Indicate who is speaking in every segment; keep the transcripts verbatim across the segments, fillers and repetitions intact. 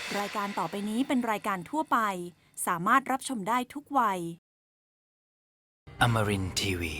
Speaker 1: รายการต่อไปนี้เป็นรายการทั่วไปสามารถรับชมได้ทุกวัย
Speaker 2: Amarin ที วี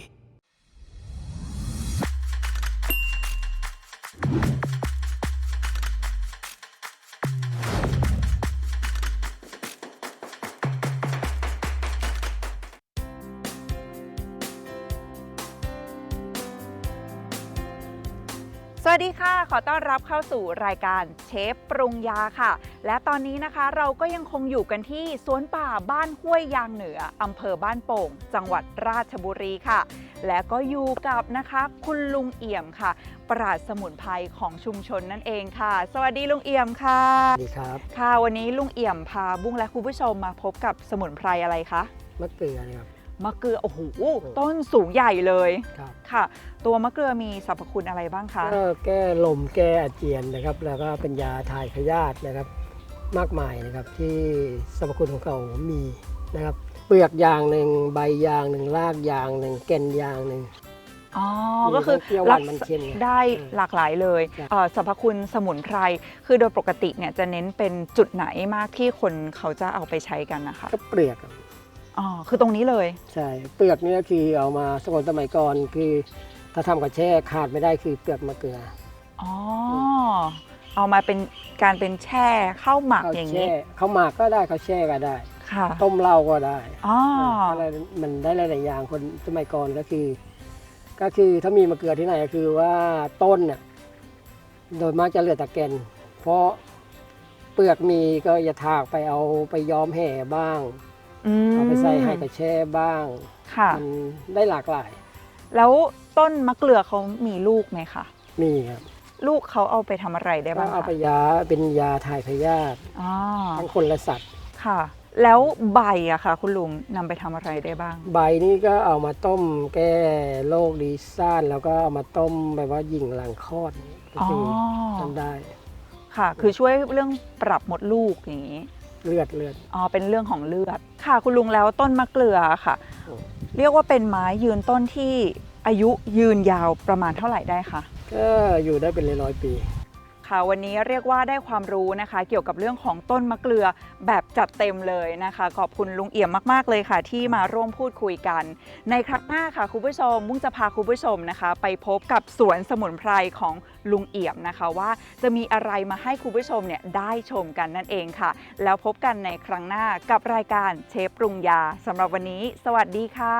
Speaker 3: สวัสดีค่ะขอต้อนรับเข้าสู่รายการเชฟปรุงยาค่ะและตอนนี้นะคะเราก็ยังคงอยู่กันที่สวนป่าบ้านห้วยยางเหนืออำเภอบ้านโป่งจังหวัดราชบุรีค่ะและก็อยู่กับนะคะคุณลุงเอี่ยมค่ะปราชญ์สมุนไพรของชุมชนนั่นเองค่ะสวัสดีลุงเอี่ยมค่ะ
Speaker 4: สวัสดีครับ
Speaker 3: ค่ะวันนี้ลุงเอี่ยมพาบุ้งและคุณผู้ชมมาพบกับสมุนไพรอะไรคะ
Speaker 4: มะเกลือนะครับ
Speaker 3: มะเกลือโอ้โหต้นสูงใหญ่เลย
Speaker 4: ครับ
Speaker 3: ค่ะตัวมะเกลือมีสรรพคุณอะไรบ้างคะ
Speaker 4: ก็แก้ลมแก้อาเจียนนะครับแล้วก็เป็นยาถ่ายพยาธินะครับมากมายนะครับที่สรรพคุณของเขามีนะครับเปลือกยางหนึ่งใบยางหนึ่งรากยางหนึ่งแก่นยางหนึ่ง
Speaker 3: อ๋อก็คือ
Speaker 4: รัก
Speaker 3: ได้หลากหลายเลยสรรพคุณสมุนไพรคือโดยปกติเนี่ยจะเน้นเป็นจุดไหนมากที่คนเขาจะเอาไปใช้กันนะคะ
Speaker 4: ก็เปลือก
Speaker 3: อ๋อคือตรงนี้เลย
Speaker 4: ใช่เปลือกนี่ก็คือเอามาสมัยสมัยก่อนคือถ้าทำกับแช่ขาดไม่ได้คือเปลือกมะเกลือ
Speaker 3: อ๋อเอามาเป็นการเป็นแช่ข้าวหมักอย่างนี้
Speaker 4: ข้าวหมักก็ได้ข้าวแช่ก็ได้
Speaker 3: ค่ะ
Speaker 4: ต้มเหล้าก็ได้
Speaker 3: อ๋อ
Speaker 4: อะไรมันได้หลายๆอย่างคนสมัยก่อนก็คือก็คือถ้ามีมะเกลือที่ไหนก็คือว่าต้นน่ะโดยมากจะเหลือแต่แก่นเพราะเปลือกมีก็อย่าถากไปเอาไปย้อมแห่บ้างเอาไปใส่ให้กระแช่บ้างมันได้หลากหลาย
Speaker 3: แล้วต้นมะเกลือเขามีลูกไหมคะ
Speaker 4: มีครับ
Speaker 3: ลูกเขาเอาไปทำอะไรได้บ้างคะ
Speaker 4: เอาไปยาเป็นยาถ่ายพยาธิทั้งคนและสัตว์
Speaker 3: ค่ะแล้วใบอะค่ะคุณลุงนำไปทำอะไรได้บ้าง
Speaker 4: ใบนี้ก็เอามาต้มแก้โรคดีซ่านแล้วก็เอามาต้มแบบว่าหญิงหลังคลอดก็คือทำได้
Speaker 3: ค่ะคือช่วยเรื่องปรับมดลูกอย่างนี้
Speaker 4: เลือดเลือด
Speaker 3: อ๋อเป็นเรื่องของเลือดค่ะคุณลุงแล้วต้นมะเกลือค่ะเรียกว่าเป็นไม้ยืนต้นที่อายุยืนยาวประมาณเท่าไหร่ได้คะ
Speaker 4: ก็อยู่ได้เป็นร้อยปี
Speaker 3: ค่ะวันนี้เรียกว่าได้ความรู้นะคะเกี่ยวกับเรื่องของต้นมะเกลือแบบจัดเต็มเลยนะคะขอบคุณลุงเอี่ยมมากๆเลยค่ะที่มาร่วมพูดคุยกันในครั้งหน้าค่ะคุณผู้ชมมุ่งจะพาคุณผู้ชมนะคะไปพบกับสวนสมุนไพรของลุงเอี่ยมนะคะว่าจะมีอะไรมาให้คุณผู้ชมเนี่ยได้ชมกันนั่นเองค่ะแล้วพบกันในครั้งหน้ากับรายการเชฟปรุงยาสำหรับวันนี้สวัสดีค่ะ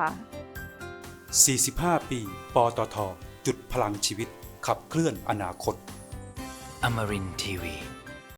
Speaker 5: สี่สิบห้าปีปตท.จุดพลังชีวิตขับเคลื่อนอนาคต
Speaker 2: Amarin ที วี